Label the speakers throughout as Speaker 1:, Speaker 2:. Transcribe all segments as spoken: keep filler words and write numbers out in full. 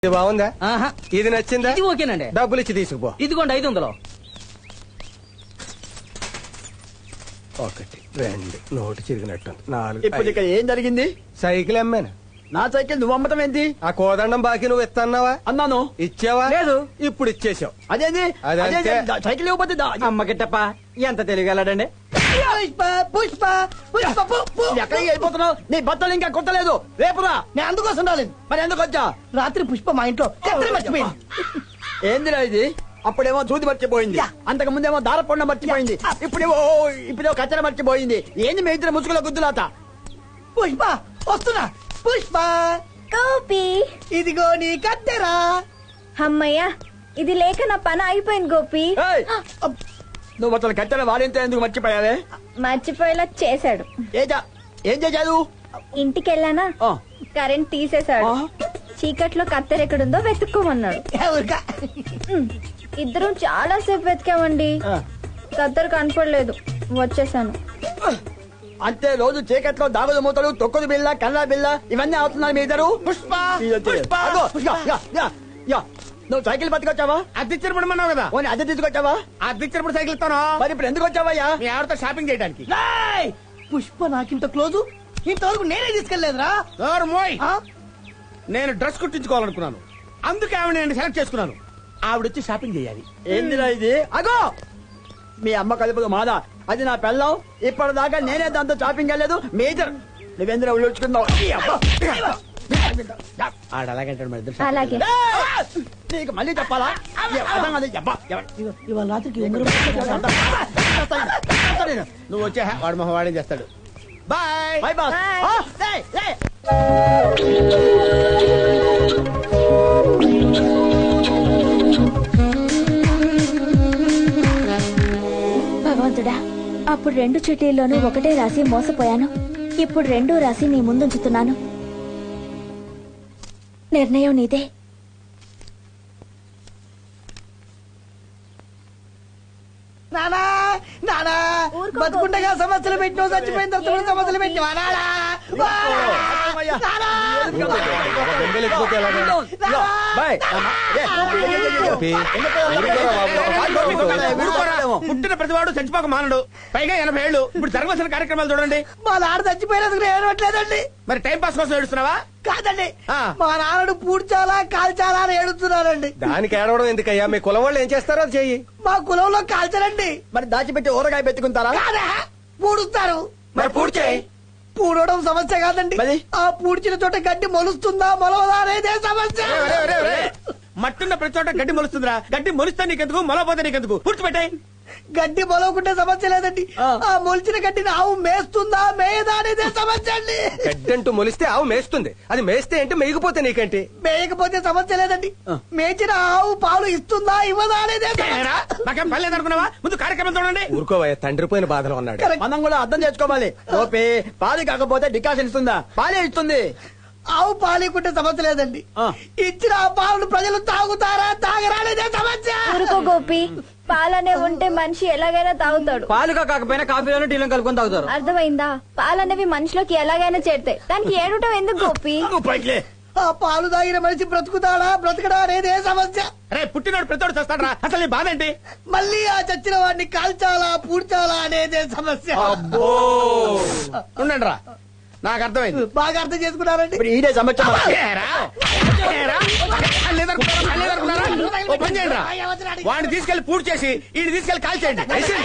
Speaker 1: ఇది బాగుందా? ఇది నచ్చిందా?
Speaker 2: ఇది ఓకేనండి.
Speaker 1: డబ్బులు ఇచ్చి తీసుకుపో.
Speaker 2: ఇదిగోండి ఐదు వందలు.
Speaker 1: ఒకటి రెండు నోటు చిరిగినట్టు నాలుగు.
Speaker 3: ఇప్పుడు ఇక్కడ ఏం జరిగింది?
Speaker 1: సైకిల్ అమ్మాను.
Speaker 3: నా సైకిల్ నువ్వు అమ్మటం ఏంటి?
Speaker 1: ఆ కోదండం బాకీ నువ్వు ఇస్తున్నావా?
Speaker 3: అన్నాను.
Speaker 1: ఇచ్చావా?
Speaker 2: లేదు.
Speaker 1: ఇప్పుడు ఇచ్చేసావు.
Speaker 3: అదేంది?
Speaker 1: అదే
Speaker 3: అదేంది?
Speaker 1: అంతే.
Speaker 3: దా- సైకిల్ ఇవ్వకపోతే దా-
Speaker 2: అమ్మ గిట్టప్ప ఎంత తెలియగలడండి.
Speaker 3: పుష్ప పుష్ప పుష్ప పు- పు- ఎక్కడికి వెళ్ళిపోతున్నావు? నీ బట్టలు ఇంకా కుట్టలేదు. రేపురా.
Speaker 4: నేను అందుకోసం రాలేదు.
Speaker 3: మరి ఎందుకు వచ్చా?
Speaker 4: రాత్రి పుష్ప మా ఇంట్లో కత్తిరి మర్చిపోయింది.
Speaker 3: ఏందిరా ఇది? అప్పుడేమో దూది మర్చిపోయింది, అంతకు ముందేమో దారపొండ మర్చిపోయింది, ఇప్పుడేమో ఇప్పుడేమో కచ్చర మర్చిపోయింది. ఏంది మీ ఇద్దరు ముసుగుల గుద్దులాత?
Speaker 4: పుష్ప వస్తున్నా. పుష్ప
Speaker 5: గోపి,
Speaker 4: ఇదిగో నీ కత్తెరా.
Speaker 5: అమ్మయ్యా, ఇది లేక నా పని అయిపోయింది గోపి.
Speaker 3: ఏయ్! నువ్వు అసలు కచ్చర వాడింతో ఎందుకు మర్చిపోయావే?
Speaker 5: మర్చిపోయేలా చేశాడు.
Speaker 3: ఏజా ఏం చేశాడు?
Speaker 5: ఇంటికెళ్ళానా,
Speaker 3: ఆ.
Speaker 5: కరెంట్ తీసేశాడు.
Speaker 3: ఆ.
Speaker 5: చీకట్లో కత్తెర ఎక్కడుందో వెతుక్కోమన్నాడు.
Speaker 4: ఎవరికా?
Speaker 5: ఉమ్, ఇద్దరం చాలా సేపు వెతికామండి.
Speaker 3: ఆ.
Speaker 5: కత్తెర కనపడలేదు, వచ్చేసాను.
Speaker 3: అంతే, రోజు చీకట్లో దాగుడు మూతలు, తొక్కుడు బిల్ల, కల్లా బిల్ల ఇవన్నీ అవుతున్నారు మీ ఇద్దరు.
Speaker 1: పుష్ప
Speaker 3: ఇదొచ్చి-
Speaker 1: పుష్ప
Speaker 3: అగో, యా, యా, యా, యా. నువ్వు సైకిల్ పట్టుకొచ్చావా?
Speaker 1: అద్దెచ్చినప్పుడు మన్నావు కదా.
Speaker 3: ఓని అద్దె తీసుకొచ్చావా?
Speaker 1: అద్దెచ్చినప్పుడు సైకిల్ ఇస్తాను.
Speaker 3: మరి ఇప్పుడు ఎందుకు వచ్చావయ్యా?
Speaker 1: మీ ఆవిడతో షాపింగ్ చేయడానికి.
Speaker 4: రేయ్! పుష్ప నాకింత క్లోజు, ఇంతవరకు నేనే తీసుకెళ్లేదురా.
Speaker 1: డోర్ మోయ్.
Speaker 4: ఆ?
Speaker 1: నేను డ్రెస్ కుట్టించుకోవాలనుకున్నాను, అందుకే ఆవిడ నేను సెలెక్ట్ చేసుకున్నాను. ఆవిడొచ్చి షాపింగ్ చేయాలి.
Speaker 3: ఏందిరా ఇది? అగో, మీ అమ్మ కలుపుదు మాదా, అది నా పెళ్ళం. ఇప్పటిదాకా నేనే దాంతో షాపింగ్ వెళ్ళలేదు. మేజర్ నువ్వేంద్ర ఉల్లుచుకున్నావు.
Speaker 1: ఆడ అలాగంటాడు మరి ఇద్దరు
Speaker 5: అలాగే.
Speaker 3: ఏయ్! నీకు మళ్ళీ చెప్పాలా? ఏ, అర్థం కాదు. అబ్బా, ఎవరు?
Speaker 4: ఇగో, ఇవాళ రాత్రికి ఉంగరం
Speaker 1: నువ్వు వచ్చే వాడు మొహం వాడేం చేస్తాడు. Bye
Speaker 3: bye boss.
Speaker 5: Bye.
Speaker 3: ఆ, ఏయ్, ఏయ్.
Speaker 5: భగవంతుడా, అప్పుడు రెండు చిట్టీల్లోనూ ఒకటే రాసి మోసపోయాను. ఇప్పుడు రెండో రాసి నీ ముందుంచుతున్నాను. నిర్ణయం నీదే.
Speaker 4: నానా నానా
Speaker 5: ఊరుకో,
Speaker 4: బతుకుండగా సమస్యలు పెట్టిన చచ్చిపోయిన తర్వాత కూడా సమస్యలు పెట్టిన నానా
Speaker 3: అమ్మయ్య.
Speaker 4: నానా
Speaker 1: బొంబేలు ఎక్కిపోతే ఎలాగా?
Speaker 3: ఇదిగో, బై. ఏ, ఏ, ఏ, ఏ, ఏ.
Speaker 1: ఊరుకోరా. పుట్టిన ప్రతివాడు చచ్చిపోక మానడు, పైగా ఎనభై ఏళ్ళు. ఇప్పుడు జరగవలసిన కార్యక్రమాలు చూడండి.
Speaker 4: మా నాన్న చచ్చిపోయినందుకు నేను ఏడవట్లేదండి.
Speaker 1: మరి టైం పాస్ కోసం ఏడుస్తున్నావా?
Speaker 4: కాదండి,
Speaker 1: ఆ.
Speaker 4: మా నాన్నడు పూడ్చాలా కాల్చాలా అని ఏడుస్తున్నారండి.
Speaker 1: దానికి ఏడవడం ఎందుకయ్యా? మీ కులం వాళ్ళు ఏం చేస్తారో అది చెయ్యి.
Speaker 4: మా కులంలో కాల్చరండి,
Speaker 3: మరి దాచిపెట్టి ఊరగాయ పెట్టుకుంటారా?
Speaker 4: కాదా పూడుస్తారు.
Speaker 1: మరి పూర్తి చేయి.
Speaker 4: పూడవడం సమస్య కాదండి,
Speaker 3: మరి?
Speaker 4: ఆ పూడ్చిన చోట గడ్డి మొలుస్తుందా మొలవదా అనేదే సమస్య.
Speaker 1: ఒరే, ఒరే, ఒరే. మట్టున్న ప్రతి చోట గడ్డి మొలుస్తుందిరా. గడ్డి మొలిస్తే నీకెందుకు, మొలపోతే నీకెందుకు? పూడ్చిపెట్టాయి.
Speaker 4: గడ్డి మొలవకుంటే సమస్య లేదండి,
Speaker 3: ఆ.
Speaker 4: ఆ మొలిచిన గడ్డిని ఆవు మేస్తుందా మేయదా అనేదే సమస్య అండి.
Speaker 1: గడ్డి అంటూ మొలిస్తే ఆవు మేస్తుంది, అది మేస్తే ఏంటి, మేయకపోతే నీకేంటి?
Speaker 4: మేయకపోతే సమస్య లేదండి,
Speaker 3: ఆ.
Speaker 4: మేచిన ఆవు పాలు ఇస్తుందా ఇవ్వదా అనేదే సమస్య.
Speaker 1: ఏరా, నాకేం పని లేదనుకున్నావా? ముందు కార్యక్రమం చూడండి. ఊరుకోవయ్యా, తండ్రి పోయిన బాధలో ఉన్నాడు.
Speaker 4: కరెక్ట్.
Speaker 3: మనం కూడా అర్థం చేసుకోవాలి. ఓపే పాలు కాకపోతే డికాషన్ ఇస్తుందా? పాలే ఇస్తుంది.
Speaker 4: ఆవు పాలికుంటే సమస్య లేదండి,
Speaker 3: ఆ.
Speaker 4: ఇచ్చిన ఆ పాలను ప్రజలు తాగుతారా తాగరా అనేదే సమస్య.
Speaker 5: ఊరుకో గోపి, పాలనే ఉంటే మనిషి ఎలాగైనా తాగుతాడు.
Speaker 2: పాలుగా కాకపోయినా కాఫీలోనే టీలో కలుపుకొని తాగుతారు.
Speaker 5: అర్థమైందా? పాలనేవి మనిషిలోకి ఎలాగైనా చేరుతాయి, దానికి ఏడవటం ఎందుకు గోపి?
Speaker 3: నువ్వు పైకిలే.
Speaker 4: ఆ పాలు తాగిన మనిషి బ్రతుకుతాడా బ్రతకడా అనేదే సమస్య.
Speaker 1: అరే, పుట్టినోడు ప్రతివాడు చేస్తాడరా. అసలు నీ బాధ ఏంటి?
Speaker 4: మళ్ళీ ఆ చచ్చిన వాడిని కాల్చాలా పూడ్చాలా అనేదే సమస్య.
Speaker 1: ఉండండి రా, నాకు అర్థమైంది.
Speaker 4: బాగా అర్థం చేసుకున్నారండి.
Speaker 3: ఇప్పుడు ఈడే సమస్య.
Speaker 1: ఏరా, ఏరా, కళ్ళు ఎదురుకున్నారా? కళ్ళు ఎదురుకున్నారా? ఓ పని చేయండి రా, వాడిని తీసుకెళ్లి పూర్తి చేసి ఈయన తీసుకెళ్లి కాల్చేయండి.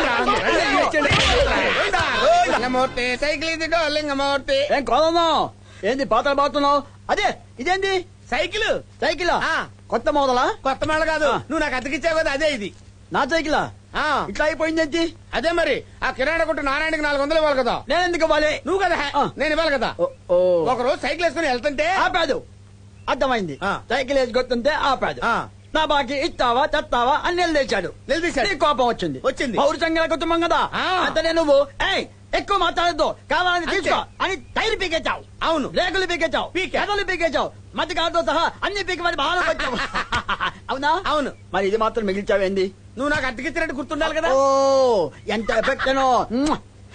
Speaker 1: లింగమూర్తి సైకిల్ ఇది లింగమూర్తి.
Speaker 3: ఏం కోదమ్మా, ఏంది పాత్రలు బాగుతున్నావు? అదే ఇదేంది?
Speaker 1: సైకిల్
Speaker 3: సైకిల్
Speaker 1: ఆ.
Speaker 3: కొత్త మోదలా?
Speaker 1: కొత్త మేళ కాదు,
Speaker 3: ఆ.
Speaker 1: నువ్వు నాకు అతికిచ్చావు కదా, అదే ఇది.
Speaker 3: నా సైకిలా?
Speaker 1: ఆ,
Speaker 3: ఇట్లా అయిపోయిందేంటి?
Speaker 1: అదే మరి. ఆ కిరాణా కొట్టు నారాయణకి నాలుగు వందలు ఇవ్వాలి కదా.
Speaker 3: నేను ఎందుకు ఇవ్వాలి?
Speaker 1: నువ్వు కదా,
Speaker 3: ఆ.
Speaker 1: నేను ఇవ్వాలి కదా.
Speaker 3: ఓ, ఓ.
Speaker 1: ఒక రోజు సైకిల్ వేసుకుని వెళ్తుంటే
Speaker 3: ఆపాదు. అర్థమైంది.
Speaker 1: ఆ.
Speaker 3: సైకిల్ వేసి కొత్తుంటే ఆపాదు.
Speaker 1: ఆ.
Speaker 3: నా బాకీ ఇస్తావా చస్తావా అని నిలదీశాడు.
Speaker 1: నిలదీశాడు.
Speaker 3: నీ కోపం వచ్చింది.
Speaker 1: వచ్చింది.
Speaker 3: పౌరుషంగా కుటుంబం కదా.
Speaker 1: ఆ.
Speaker 3: అంతనే నువ్వు ఏయ్ ఎక్కువ మాట్లాడద్దు, కావాలని
Speaker 1: అంతే.
Speaker 3: తీసుకో అని టైర్ పీకేచావు.
Speaker 1: అవును.
Speaker 3: రేకులు పీకేచావు,
Speaker 1: పీకా.
Speaker 3: పెదలు పీకేచావు, మధ్య కాదుతో సహా అన్ని పీకి మరి బాగా వచ్చావు. అవునా?
Speaker 1: అవును.
Speaker 3: మరి ఇది మాత్రం మిగిల్చావేంది?
Speaker 1: నువ్వు నాకు అతికిచ్చినట్టు గుర్తుండాలి కదా.
Speaker 3: ఓ ఎంత ఎఫెక్ట్ అనో.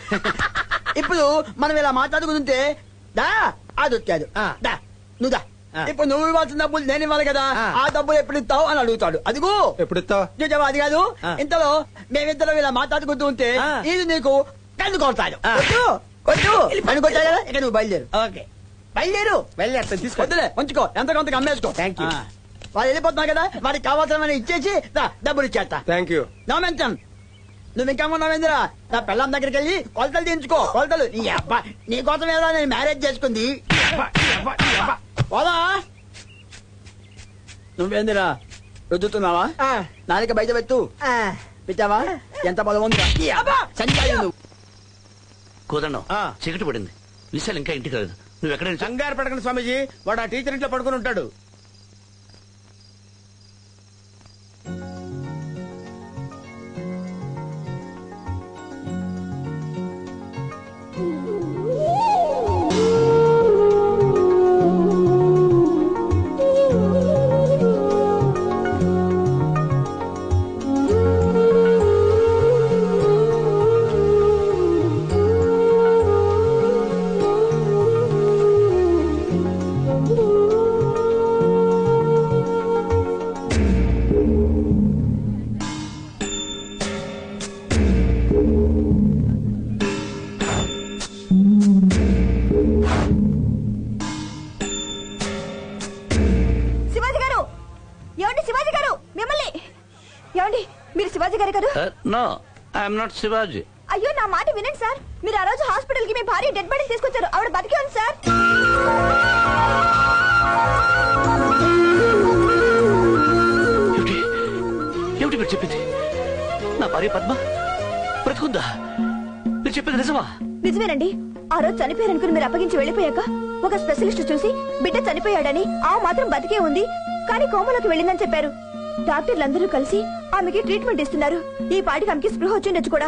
Speaker 3: ఇప్పుడు మనం ఇలా మాట్లాడుకుంటుంటే దా అది వచ్చాడు.
Speaker 1: ఆ.
Speaker 3: దా నువ్వు దా ఇప్పుడు నువ్వు ఇవ్వాల్సిన డబ్బులు నేను ఇవ్వాలి కదా,
Speaker 1: ఆ.
Speaker 3: ఆ డబ్బులు ఎప్పుడు ఇస్తావు అని అడుగుతాడు. అదిగో
Speaker 6: ఎప్పుడు ఇస్తావు?
Speaker 3: చూసావా, అది కాదు.
Speaker 1: ఆ.
Speaker 3: ఇంతలో మేమిద్దరం ఇలా మాట్లాడుకుంటూ ఉంటే
Speaker 1: ఆ.
Speaker 3: ఇది నీకు కన్ను కొడతాడు.
Speaker 1: ఆ.
Speaker 3: కొట్టు, కొట్టు. కన్ను కొట్టాడు కదా, ఇక నువ్వు బయలుదేరు.
Speaker 1: ఓకే
Speaker 3: బయలుదేరు.
Speaker 1: వెళ్ళేస్తాను తీసుకో.
Speaker 3: వద్దులే, ఉంచుకో, ఎంత కొంత అమ్మేసుకో.
Speaker 1: Thank you.
Speaker 3: ఆ. వాళ్ళు వెళ్ళిపోతున్నా కదా, వాడికి కావాల్సిన ఇచ్చేసి దా, డబ్బులు ఇచ్చేస్తా.
Speaker 6: Thank you.
Speaker 3: నోమెంతం నువ్వు ఇంకా ఉన్నావేంద్రా, నా పిల్లం దగ్గరికి వెళ్ళి కొలతలు తీయించుకో. కొలతలు నీ అబ్బా, నీ కోసం ఏదో నేను మ్యారేజ్ చేసుకుంది. పోదా నువ్వేందిరా రుద్దుతున్నావా? నాలుక బయట పెట్టు. పెట్టావా? ఎంత బలం ఉందా? ఈ అబ్బా, చనిపోయావు నువ్వు.
Speaker 7: కోదండం
Speaker 1: ఆ.
Speaker 7: చీకటి పడింది, విశాల్ ఇంకా ఇంటికి రాలేదు. నువ్వు ఎక్కడ
Speaker 1: కంగారు పడకండి స్వామీజీ, వాడు ఆ టీచర్ ఇంట్లో పడుకుని ఉంటాడు.
Speaker 5: శివాజీ గారు, ఏమండి శివాజీ గారు, మిమ్మల్ని. ఏమండి మీరు శివాజీ గారు కదా?
Speaker 7: No, I'm not Shivaji.
Speaker 5: అయ్యో నా మాట వినండి సార్, మీరు ఆ రోజు హాస్పిటల్ కి మీ భార్య డెడ్ బాడీ తీసుకొచ్చారు, ఆవిడ బతికే ఉంది సార్.
Speaker 7: ఏమిటి ఏమిటి మీరు చెప్పింది? నా భార్య పద్మ బ్రతుకుందా? మీరు చెప్పింది నిజమా?
Speaker 5: నిజమేనండి. ఆ రోజు చనిపోయారనుకుని మీరు అప్పగించి వెళ్ళిపోయాక ఒక స్పెషలిస్ట్ చూసి బిడ్డ చనిపోయాడని, ఆ మాత్రం బతికే ఉంది కానీ కోమలోకి వెళ్ళిందని చెప్పారు. డాక్టర్లందరూ కలిసి ఆమెకి ట్రీట్మెంట్ ఇస్తున్నారు. ఈ పాటికి ఆమెకి స్పృహ వచ్చిండొచ్చు కూడా.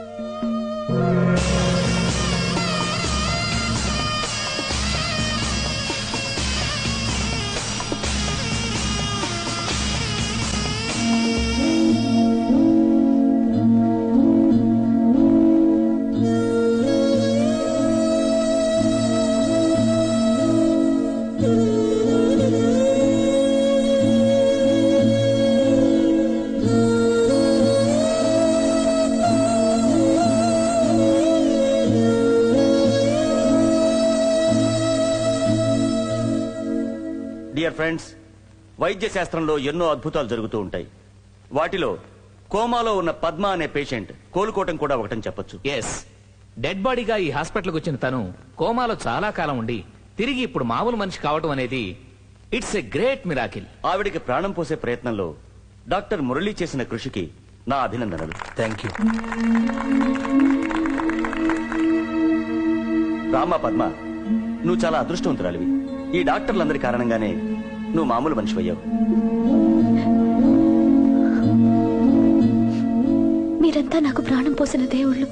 Speaker 8: డియర్ ఫ్రెండ్స్, వైద్య శాస్త్రంలో ఎన్నో అద్భుతాలు జరుగుతూ ఉంటాయి. వాటిలో కోమాలో ఉన్న పద్మ అనే పేషెంట్ కోలుకోవటం కూడా ఒకటని చెప్పొచ్చు.
Speaker 9: ఎస్, డెడ్ బాడీగా ఈ హాస్పిటల్కి వచ్చిన తను కోమాలో చాలా కాలం ఉండి తిరిగి ఇప్పుడు మామూలు మనిషి కావటం అనేది ఇట్స్ ఎ గ్రేట్ మిరాకిల్.
Speaker 8: ఆవిడికి ప్రాణం పోసే ప్రయత్నంలో డాక్టర్ మురళి చేసిన కృషికి నా అభినందనలు.
Speaker 7: Thank you.
Speaker 8: రామా పద్మ, నువ్వు చాలా అదృష్టవంతురాలివి. ఈ డాక్టర్లందరి కారణంగానే నువ్వు మామూలు మనిషి అయ్యావు.
Speaker 5: మీరంతా నాకు ప్రాణం పోసిన దేవుళ్ళు.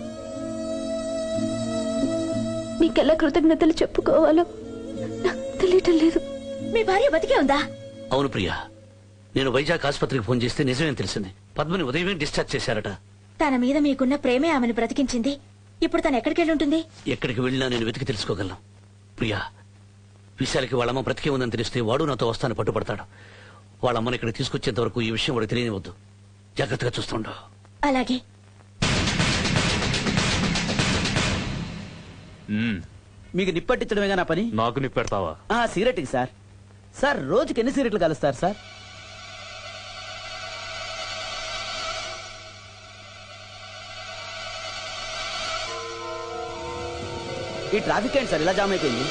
Speaker 5: మీకెలా కృతజ్ఞతలు చెప్పుకోవాలో నాకు తెలియటం లేదు. మీ భార్య బతికే ఉందా?
Speaker 7: అవును ప్రియా, నేను వైజాగ్ ఆసుపత్రికి ఫోన్ చేస్తే నిజమేం తెలిసింది. పద్మని ఉదయమే డిశ్చార్జ్ చేశారట.
Speaker 5: తన మీద మీకున్న ప్రేమే ఆమెను బ్రతికించింది. ఇప్పుడు తను ఎక్కడికి వెళ్ళి ఉంటుంది?
Speaker 7: ఎక్కడికి వెళ్ళినా నేను వెతికి తెలుసుకోగలను. ప్రియా, విశాలకి వాళ్ళమ్మ బ్రతికే ఉందని తెలిస్తే వాడు నాతో వస్తాను పట్టుబడతాడు. వాళ్ళమ్మని ఇక్కడ తీసుకొచ్చేంత వరకు ఈ విషయం వాడికి తెలియనివద్దు. జాగ్రత్తగా చూస్తుండో.
Speaker 5: అలాగే.
Speaker 3: మీకు నిప్పట్టించడమేగా నా పని?
Speaker 9: నాకు నిప్పు పెడతావా?
Speaker 3: ఆ సిగరెట్కి సార్. సార్ రోజుకి ఎన్ని సిగరెట్లు కలుస్తారు సార్? ఈ ట్రాఫిక్ ఏంటి సార్ ఇలా జామ్ అయిపోయింది?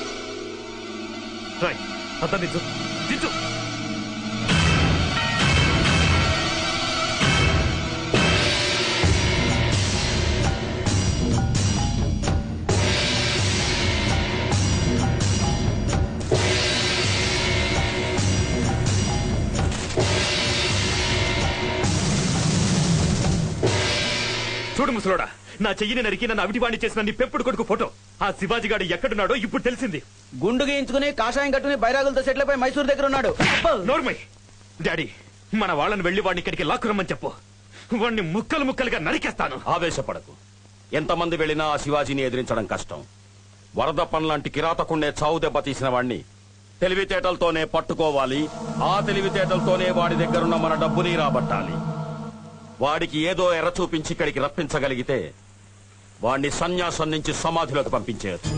Speaker 9: చూడు ముసలోడా, నా చెయ్యిని నరికి నన్ను అవిటివాణి చేసిన నీ పెంపుడు కొడుకు ఫోటో. ఆ శివాజీ గాడు ఎక్కడున్నాడో ఇప్పుడు తెలిసింది.
Speaker 3: గుండు గీయించుకుని కాషాయం కట్టుకుని బైరాగులతో సెటిల్ అయిపోయి మైసూర్ దగ్గర ఉన్నాడు.
Speaker 9: నోర్మై డాడీ, మన వాళ్ళని వెళ్లి వాడిని ఇక్కడికి లాక్కురమ్మని చెప్పు. వాడిని ముక్కలు ముక్కలుగా నరికేస్తాను.
Speaker 10: ఆవేశపడకు. ఎంతమంది వెళ్ళినా ఆ శివాజీని ఎదిరించడం కష్టం. వరదప్పన్ లాంటి కిరాతకుండే చావు దెబ్బ తీసిన వాణ్ణి తెలివితేటలతోనే పట్టుకోవాలి. ఆ తెలివితేటలతోనే వాడి దగ్గరున్న మన డబ్బుని రాబట్టాలి. వాడికి ఏదో ఎర్ర చూపించి ఇక్కడికి రప్పించగలిగితే వాడిని సన్యాసం నుంచి సమాధిలోకి పంపించేయచ్చు.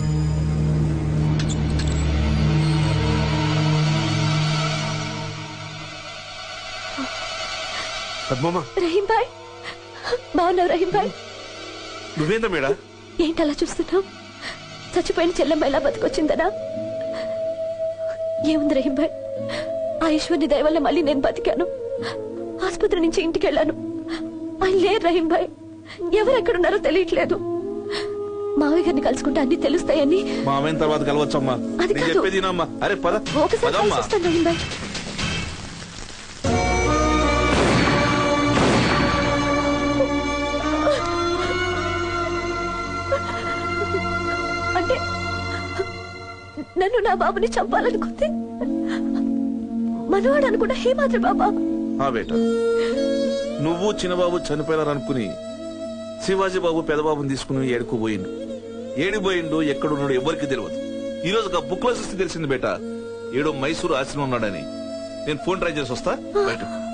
Speaker 6: పద్మమ్మ,
Speaker 5: రహీం భాయ్ బాగున్నావు? రహీం భాయ్
Speaker 6: నువ్వేందా మేడా?
Speaker 5: ఏంటలా చూస్తున్నావు? చచ్చిపోయిన చెల్లెమ్మ ఎలా బతికొచ్చిందనా? ఏముంది రహీం భాయ్, ఆ ఈశ్వర్ని దయ వల్ల మళ్ళీ నేను బతికాను. ఆసుపత్రి నుంచి ఇంటికి వెళ్ళాను. ఆయన లేరు రహీం భాయ్. ఎవరెక్కడున్నారో తెలియట్లేదు. మావయ్య గారిని కలుసుకుంటే అన్ని తెలుస్తాయని.
Speaker 6: మామైన తర్వాత కలవచ్చమ్మా.
Speaker 5: అది
Speaker 6: నేను
Speaker 5: కాదు.
Speaker 6: చెప్పేది వినమ్మా. అరే పద
Speaker 5: ఒకసారి
Speaker 6: పదమ్మా.
Speaker 5: కలిసి వస్తాను రహీం భాయ్. అంటే నన్ను నా బాబుని చంపాలనుకుంది మనవాడు అనుకున్న హేమాద్రి బాబా.
Speaker 6: ఆ బేట, నువ్వు చిన్నబాబు చనిపోయారనుకుని శివాజీ బాబు పెదబాబుని తీసుకుని ఏడుకోబోయిండు. ఏడిపోయిండు, ఎక్కడున్నాడు ఎవరికి తెలియదు. ఈ రోజు ఒక బుక్ లో చూస్తే తెలిసింది బేట, ఏడో మైసూరు ఆశ్రమం ఉన్నాడని. నేను ఫోన్ ట్రై చేసి వస్తా బయట.